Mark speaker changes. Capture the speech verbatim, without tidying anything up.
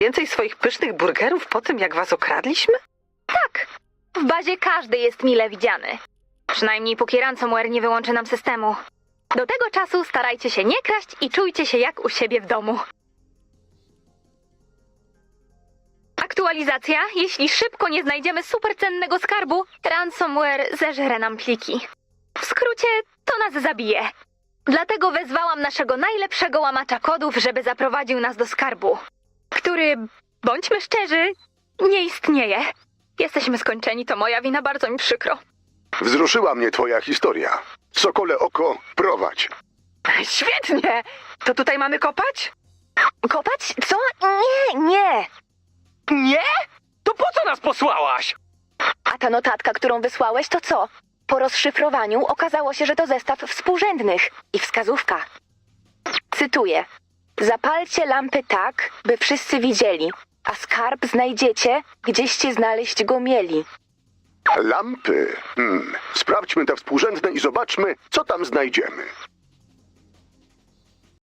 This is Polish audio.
Speaker 1: Więcej swoich pysznych burgerów po tym, jak was okradliśmy?
Speaker 2: Tak, w bazie każdy jest mile widziany. Przynajmniej póki ransomware nie wyłączy nam systemu. Do tego czasu starajcie się nie kraść i czujcie się jak u siebie w domu. Aktualizacja. Jeśli szybko nie znajdziemy supercennego skarbu, ransomware zeżre nam pliki. W skrócie, to nas zabije. Dlatego wezwałam naszego najlepszego łamacza kodów, żeby zaprowadził nas do skarbu, który, bądźmy szczerzy, nie istnieje. Jesteśmy skończeni, to moja wina, bardzo mi przykro.
Speaker 3: Wzruszyła mnie twoja historia. Sokole oko, prowadź.
Speaker 1: Świetnie! To tutaj mamy kopać?
Speaker 2: Kopać? Co? Nie, nie.
Speaker 4: Nie? To po co nas posłałaś?
Speaker 2: A ta notatka, którą wysłałeś, to co? Po rozszyfrowaniu okazało się, że to zestaw współrzędnych i wskazówka. Cytuję. Zapalcie lampy tak, by wszyscy widzieli, a skarb znajdziecie, gdzieście znaleźć go mieli.
Speaker 3: Lampy. Hmm. Sprawdźmy te współrzędne i zobaczmy, co tam znajdziemy.